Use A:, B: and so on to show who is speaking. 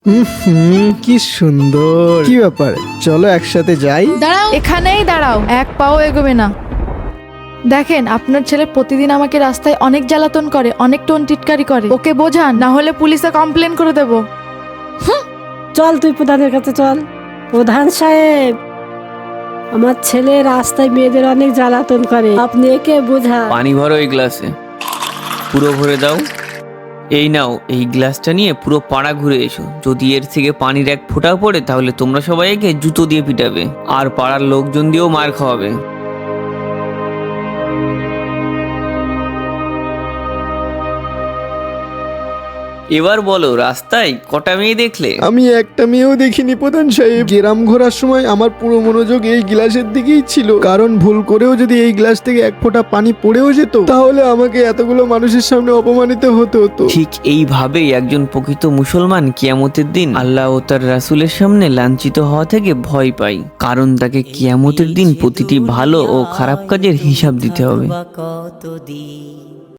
A: কি সুন্দর। কি ব্যাপার, চলো একসাথে যাই।
B: দাঁড়াও, এখানেই দাঁড়াও, এক পাও এগোবে না। দেখেন, আপনার ছেলে প্রতিদিন আমাকে রাস্তায় অনেক জ্বালাতন করে, অনেক টোন টিটকারি করে। ওকে বোঝান, না হলে পুলিশে কমপ্লেন করে দেব।
C: চল তুই প্রধানের কাছে চল। প্রধান সাহেব, আমার ছেলে রাস্তায় মেয়েদের অনেক জ্বালাতন করে, আপনি একে বোঝান।
D: পানি ভরো এই গ্লাসে, পুরো ভরে দাও। এই নাও, এই গ্লাসটা নিয়ে পুরো পাড়া ঘুরে এসো। যদি এর থেকে পানির এক ফোঁটাও পড়ে তাহলে তোমরা সবাই একে জুতো দিয়ে পিটাবে আর পাড়ার লোকজন দিয়েও মার খাওয়াবে। এবার বলো, রাস্তায় কটা মেয়ে দেখলে?
A: আমি একটা মেয়েও দেখিনি প্রধান সাহেব। গ্রাম ঘোরার সময় আমার পুরো মনোযোগ এই গ্লাসের দিকেই ছিল, কারণ ভুল করেও যদি এই গ্লাস থেকে এক ফোঁটা পানি পড়েও যেত তাহলে আমাকে এতগুলো মানুষের সামনে অপমানিত হতে হতো।
D: ঠিক এইভাবেই একজন প্রকৃত মুসলমান কিয়ামতের দিন আল্লাহ ও তার রাসূলের সামনে লাঞ্ছিত হওয়া থেকে ভয় পায়, কারণ তাকে কিয়ামতের দিন প্রতিটি ভালো ও খারাপ কাজের হিসাব দিতে হবে।